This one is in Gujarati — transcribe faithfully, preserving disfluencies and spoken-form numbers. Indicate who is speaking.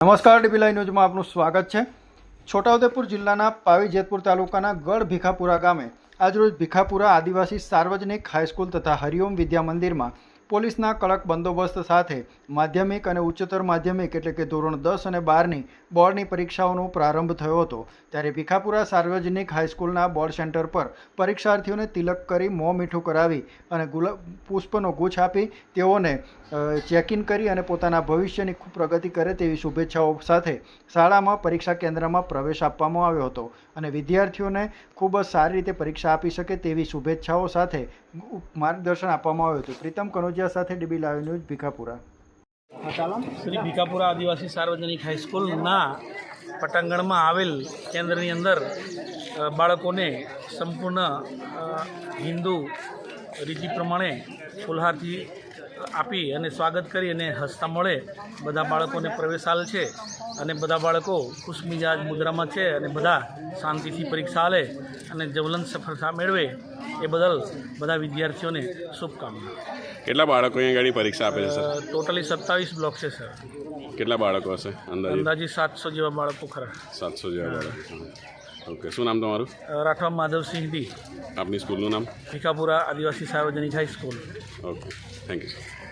Speaker 1: નમસ્કાર, ડીબી લાઈવ ન્યૂઝમાં આપનું સ્વાગત છે। છોટાઉદેપુર જિલ્લાના પાવી જેતપુર તાલુકાના ગઢ ભીખાપુરા ગામે આજરોજ ભીખાપુરા આદિવાસી સાર્વજનિક હાઈસ્કૂલ તથા હરિઓમ વિદ્યા મંદિરમાં પોલીસના કડક બંદોબસ્ત સાથે માધ્યમિક અને ઉચ્ચતર માધ્યમિક એટલે કે ધોરણ દસ અને બારની બોર્ડની પરીક્ષાઓનો પ્રારંભ થયો હતો। ત્યારે ભીખાપુરા સાર્વજનિક હાઈસ્કૂલના બોર્ડ સેન્ટર પર પરીક્ષાર્થીઓને તિલક કરી મોં મીઠું કરાવી અને ગુલાબ પુષ્પનો ગુચ્છ આપી તેઓને ચેક ઇન કરી અને પોતાના ભવિષ્યની ખૂબ પ્રગતિ કરે તેવી શુભેચ્છાઓ સાથે શાળામાં પરીક્ષા કેન્દ્રમાં પ્રવેશ આપવામાં આવ્યો હતો અને વિદ્યાર્થીઓને ખૂબ જ સારી રીતે પરીક્ષા આપી શકે તેવી શુભેચ્છાઓ સાથે માર્ગદર્શન આપવામાં આવ્યું હતું। પ્રીતમ કનોજિયા સાથે DB live news Bhikhapura.
Speaker 2: Shri Bhikhapura આદિવાસી સાર્વજનિક હાઈસ્કૂલના પટાંગણમાં આવેલ કેન્દ્રની અંદર બાળકોને સંપૂર્ણ હિન્દુ રીતિ પ્રમાણે ફુલહારથી આપી અને સ્વાગત કરી અને હસતા મળે બધા બાળકોને પ્રવેશાલ છે અને બધા બાળકો ખુશમિજાજ મુદ્રામાં છે અને બધા શાંતિથી પરીક્ષા આલે અને જ્વલંત સફળતા મેળવે એ બદલ બધા વિદ્યાર્થીઓને શુભકામના।
Speaker 3: કેટલા બાળકો અહીંયા ગાડી પરીક્ષા આપે છે સર?
Speaker 2: ટોટલી સત્તાવીસ બ્લોક છે સર।
Speaker 3: કેટલા બાળકો હશે અંદાજે?
Speaker 2: અંદાજે સાતસો જેવા બાળકો ખરા।
Speaker 3: સાતસો જેવા બાળકો। ઓકે, શું નામ તમારું?
Speaker 2: રાઠવા માધવસિંહ ડી।
Speaker 3: આપની સ્કૂલનું નામ?
Speaker 2: ભીખાપુરા આદિવાસી સાર્વજનિક high school.
Speaker 3: Okay, thank you sir.